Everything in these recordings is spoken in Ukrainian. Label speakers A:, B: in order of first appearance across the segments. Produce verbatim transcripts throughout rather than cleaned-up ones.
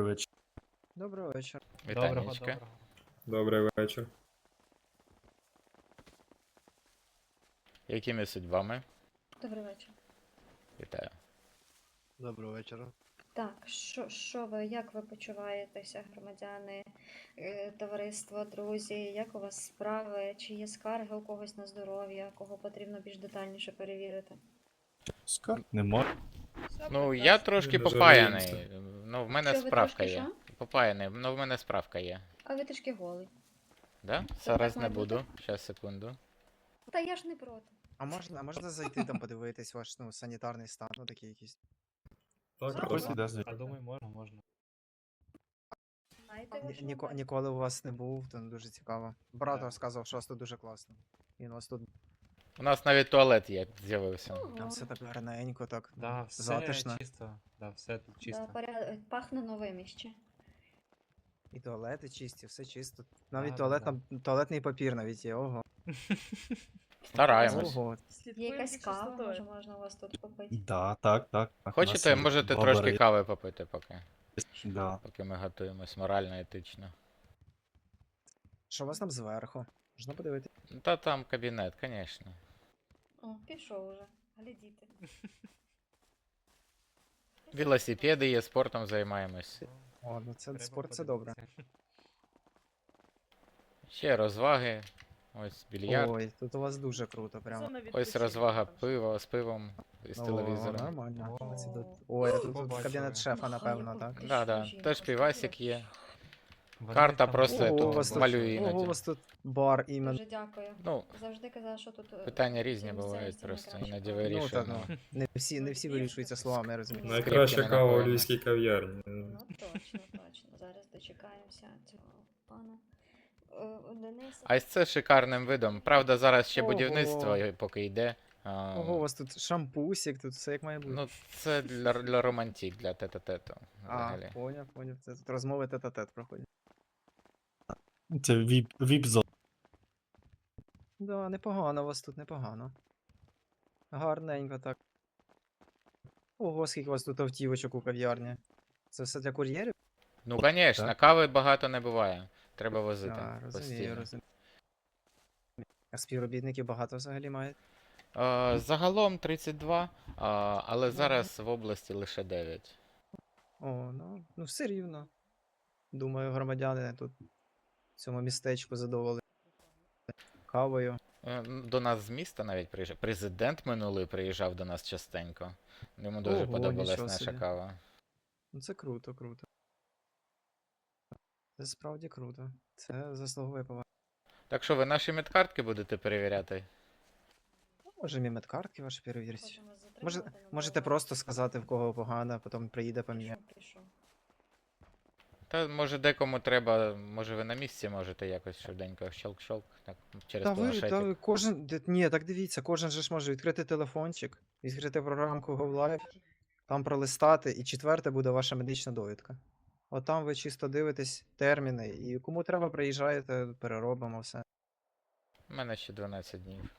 A: вечір.
B: Доброго вечора.
C: Доброго,
D: Вітанечка.
C: доброго.
A: Добрий вечір.
D: Якими судьбами?
E: Добрий вечір.
D: Вітаю.
B: Доброго вечора.
E: Так, що, що ви, як ви почуваєтеся, громадяни, е, товариство, друзі? Як у вас справи? Чи є скарги у когось на здоров'я, кого потрібно більш детальніше перевірити?
A: Скарг нема.
D: Ну, я трошки
A: Не
D: попаяний.
A: жаліємося.
D: Ну, в мене
E: Що, ви
D: справка
E: трошки
D: є.
E: що?
D: Попаяний, ну в мене справка є.
E: А ви трішки голий.
D: Да?
E: так
D: Зараз не
E: має бути?
D: буду. Щас, секунду.
E: Та я ж не проти.
B: А можна, а можна зайти там подивитись ваш ну, санітарний стан, ну такий якийсь.
A: Так,
C: Ось
A: так.
C: іде звідти. А думаю, можна, можна.
E: Знаєте,
B: Ні-
E: вашого
B: Ніко,
E: батька?
B: ніколи у вас не був, то дуже цікаво. Брат
C: Да.
B: розказував, що у вас тут дуже класно. Він у вас тут
D: У нас навіть туалет є, з'явився.
E: Ого.
B: там все так гарненько, так
C: Да, все
B: затишно.
C: чисто. Да, все тут
E: Да,
C: чисто.
E: поряд... Пахне новим іще.
B: І туалети чисті, все чисто. Навіть
C: Да,
B: туалет,
C: да,
B: там, туалетний папір навіть є, ого.
D: Стараємось.
B: Ого.
E: Є якась кава, може можна у вас тут попити?
A: Да, так, так. так.
D: Хочете,
A: У нас
D: можете
A: бабари
D: трошки
A: є.
D: кави попити, поки.
A: Да.
D: Поки ми готуємось морально, етично.
B: Що у вас там зверху? Можна подивитися?
D: Ну, Та там кабінет, звісно.
E: О, пішов уже. Глядіти.
D: Велосипеди є, спортом займаємось.
B: О, ну це
C: Треба
B: спорт, це добре.
C: подивитися.
D: Ще розваги. Ось більярд.
B: Ой, тут у вас дуже круто, прямо.
D: Ось розвага пива з пивом і з
B: О,
D: телевізором.
B: нормально.
C: О.
B: Оце тут- Ой, а тут, тут
C: Побачили.
B: кабінет шефа, напевно, так?
E: Нехай
D: Да, да.
E: жінка
D: Теж півасик
E: сподівається.
D: є.
C: Вони
D: Карта
C: там
D: просто
C: багато
D: Ого,
B: Ого, у вас тут,
D: малюю
B: ого,
D: іноді.
B: у вас тут бар іменно.
E: Дуже дякую.
D: Ну,
E: Завжди казала, що тут... е,
D: питання різні
E: цим
D: бувають
E: місцевістю
D: просто,
E: найкраще
D: іноді
E: кава.
B: Ну, та,
D: вирішуємо.
B: ну, не всі, не всі вирішуються словами, я розумію.
E: Ну,
A: Найкраща
D: Скрипки
A: кава у
D: напоїмо.
A: львівській кав'ярні.
E: Ну, точно, точно. Зараз дочекаємося цього пана. Е, Дениса.
D: А ось це шикарним видом. Правда, зараз ще
B: Ого.
D: будівництво поки йде. А,
B: Ого, у вас тут шампусик, тут все як має бути.
D: Ну, це для, для романтик, для тета-тету.
B: а,
D: Взагалі.
B: поняв, поняв. Це тут розмови тет-а-тет проходять.
A: Це віп, віп-зона.
B: Да, непогано у вас тут, непогано. Гарненько так. Ого, скільки у вас тут автівочок у кав'ярні. Це все для кур'єрів?
D: Ну, звісно,
A: Так.
D: кави багато не буває. Треба возити.
B: Так, розумію,
D: постійно.
B: розумію. А співробітників багато взагалі мають?
D: А, загалом тридцять два, а, але зараз в області лише дев'ять.
B: О, ну, ну все рівно. Думаю, громадяни тут в цьому містечку задоволені кавою.
D: Е, До нас з міста навіть приїжджав. Президент минулий приїжджав до нас частенько. Йому дуже
B: Ого,
D: подобалась
B: нічого
D: наша
B: собі.
D: кава.
B: Ну це круто, круто. Це справді круто. Це заслуговує поваги.
D: Так що ви наші медкартки будете перевіряти?
B: Може, і медкартки ваші перевірять.
E: Хочемо затримати,
B: Може,
E: але
B: можете
E: ви-
B: просто сказати, в кого погано, а потім приїде поміняє.
E: Пішов, пішов.
D: Та може декому треба, може ви на місці можете якось швиденько щелк-щелк, так, через
B: Та ви,
D: планшетик.
B: та ви кожен. де- Ні, так дивіться, кожен же ж може відкрити телефончик, відкрити програмку GoLive, там пролистати, і четверте буде ваша медична довідка. От там ви чисто дивитесь терміни, і кому треба, приїжджаєте, переробимо все.
D: У мене ще дванадцять днів.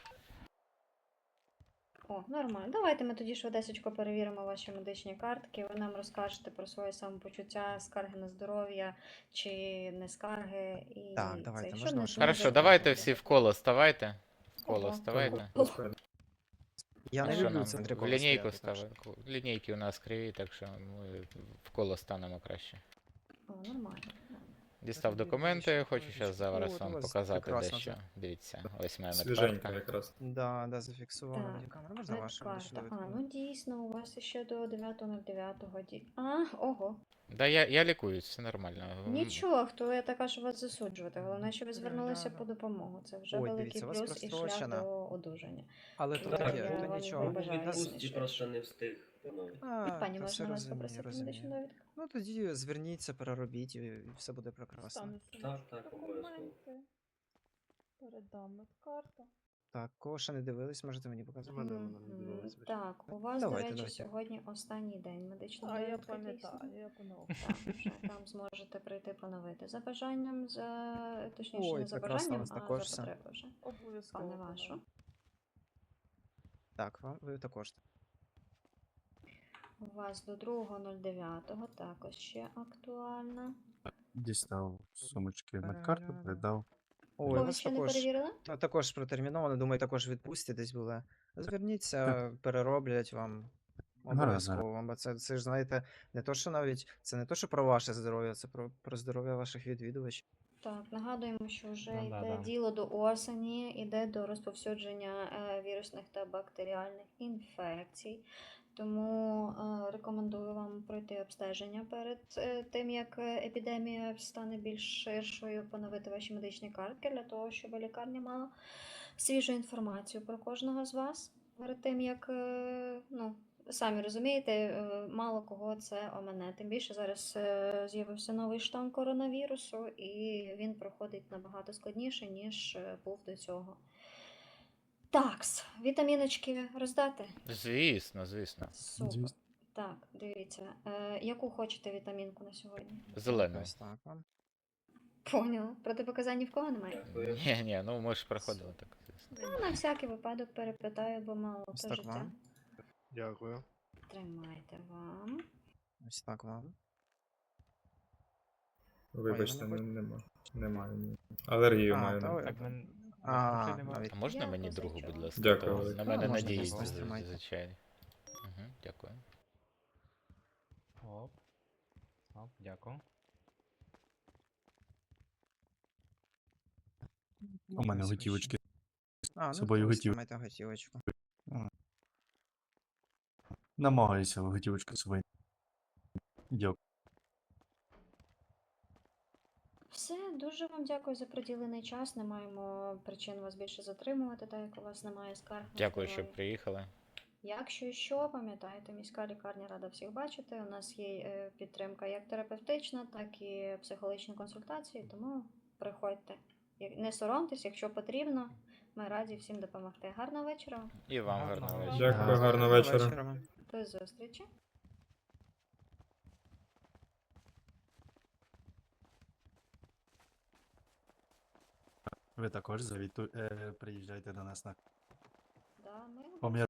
E: О, нормально. Давайте ми тоді швидесечко перевіримо ваші медичні картки. Ви нам розкажете про своє самопочуття, скарги на здоров'я чи не скарги. І
B: Так, давайте,
E: це,
B: можна
E: не-
B: ваше
E: не
D: Хорошо,
E: за-
D: давайте всі в коло ставайте. В коло
E: Ого.
D: ставайте.
B: Я
D: А
B: не
D: що
B: люблю
D: нам?
B: в центрі
D: В
B: кола
D: лінійку
B: стояти, так що-
D: ставимо. Лінійки у нас криві, так що ми в коло станемо краще.
E: О, нормально.
D: Дістав
B: Тоді
D: документи,
B: більше
D: хочу
B: книжечок.
D: зараз
B: О,
D: зараз
B: у
D: вам
B: вас
D: показати
B: прекрасно
D: дещо.
B: це.
D: Дивіться, ось моя
A: Свіженька
D: медкартка.
A: якраз.
B: Да, да, зафіксувала мені
E: Так,
B: камеру. Можна вашу медичну
E: медкарта. А,
B: довідку?
E: ну дійсно, у вас ще до дев'ятого дев'ятого ді... А, ого.
D: Да, я, я лікуюсь, все нормально. М,
E: Нічого, хто я така, що вас засуджувати. Головне, що ви
B: Да,
E: звернулися
B: да,
E: по
B: да.
E: допомогу. Це вже
B: Ой,
E: великий
B: дивіться, у вас
E: плюс і шлях
B: прострочена.
E: до одужання.
B: Але то
E: Так,
B: таке,
E: я
B: то
E: вам
B: нічого.
E: вибачаю.
B: У нас-
E: Бажаю.
F: Відпустці просто не встиг. Ну,
B: А,
E: Пані,
B: та все
E: можна вас
B: розумію,
E: попросити
B: розумію.
E: медичну довідку?
B: Ну тоді зверніться, переробіть і і все буде прекрасно.
F: так, так, обов'язково.
G: Передам медкарту.
B: Так, кого ще не дивились, можете мені показати.
E: Мгм. Так, у вас,
B: Давайте,
E: до речі,
B: давайте.
E: сьогодні останній день медичної
G: А, я
E: довідки,
G: пам'ятаю,
E: дійсно.
G: я поновила.
E: Так, вже там зможете прийти поновити. За бажанням, за... точніше,
B: Ой,
E: не за
B: прекрасно, у
E: бажанням,
B: вас
E: а
B: також
E: за
B: все.
E: потреби вже.
G: Обов'язково.
E: Пане
G: поновлю.
E: вашу.
B: Так, вам ви також.
E: У вас до другого нуль дев'ятого також ще актуальна.
A: Дістав з сумочки медкарту,
B: Перегляну.
A: передав.
B: Ой, у
E: Когось
B: вас
E: ще не
B: також,
E: перевірили?
B: та- також протерміновано, думаю, також відпустці десь були. Зверніться, перероблять вам.
A: Гаразд,
B: Обов'язково, бо це, це ж знаєте, не то, що навіть це не то, що про ваше здоров'я, це про, про здоров'я ваших відвідувачів.
E: Так, нагадуємо, що вже
C: Ну,
E: йде
C: да, да.
E: діло до осені, йде до розповсюдження е, вірусних та бактеріальних інфекцій. Тому е, рекомендую вам пройти обстеження перед е, тим, як е, епідемія стане більш ширшою, поновити ваші медичні картки для того, щоб лікарня мала свіжу інформацію про кожного з вас перед тим, як, е, ну, самі розумієте, е, мало кого це омине. Тим більше зараз е, з'явився новий штам коронавірусу, і він проходить набагато складніше, ніж е, був до цього. Такс, вітаміночки роздати?
D: Звісно, звісно.
E: Супер.
A: Звісно.
E: Так, дивіться. Е, яку хочете вітамінку на сьогодні?
D: Зелений.
B: Ось так вам.
E: Поняла. Протипоказань ні в кого немає?
F: Дякую.
D: Ні, ні, ну ми ж проходили так, звісно.
E: Ну, на всякий випадок перепитаю, бо мало
B: Ось
E: то
B: так
E: життя.
B: вам.
G: Дякую.
E: Тримайте вам.
B: Ось так вам.
A: Вибачте,
B: Ой,
A: не,
B: вона
A: нема. Немає. ні. Алергію
B: А,
A: маю.
B: та
A: на-
B: ви-
C: Так, мен...
B: А,
C: Чи нема?
B: навіть
D: А можна
E: Я
D: мені другу,
E: позичу.
D: будь ласка?
A: Дякую,
D: То
A: Олег.
D: На мене
B: А, можна,
D: надіюсь,
B: можна, тримайте.
D: звичайно. Угу, дякую.
C: Оп. Оп, дякую.
A: У мене
B: Ось
A: готівочки.
B: А, ну
A: собою
B: то ось
A: готів.
B: тримайте готівочку.
A: Намагаюся готівочку з собою. Дякую.
E: Все, дуже вам дякую за приділений час. Не маємо причин вас більше затримувати, так як у вас немає скарг. на
D: Дякую, що
E: здоров'я.
D: приїхали.
E: Якщо що, пам'ятайте, міська лікарня рада всіх бачити. У нас є е, підтримка як терапевтична, так і психологічні консультації, тому приходьте. Як- Не соромтесь, якщо потрібно, ми раді всім допомогти. Гарного вечора. вам.
D: І вам
C: Гарного
D: гарного
C: вечора.
D: вечора.
A: Дякую, гарного вечора.
B: вам.
E: До зустрічі.
A: Ви також завіту... е, приїжджайте до нас на
E: Да, ми
A: помір.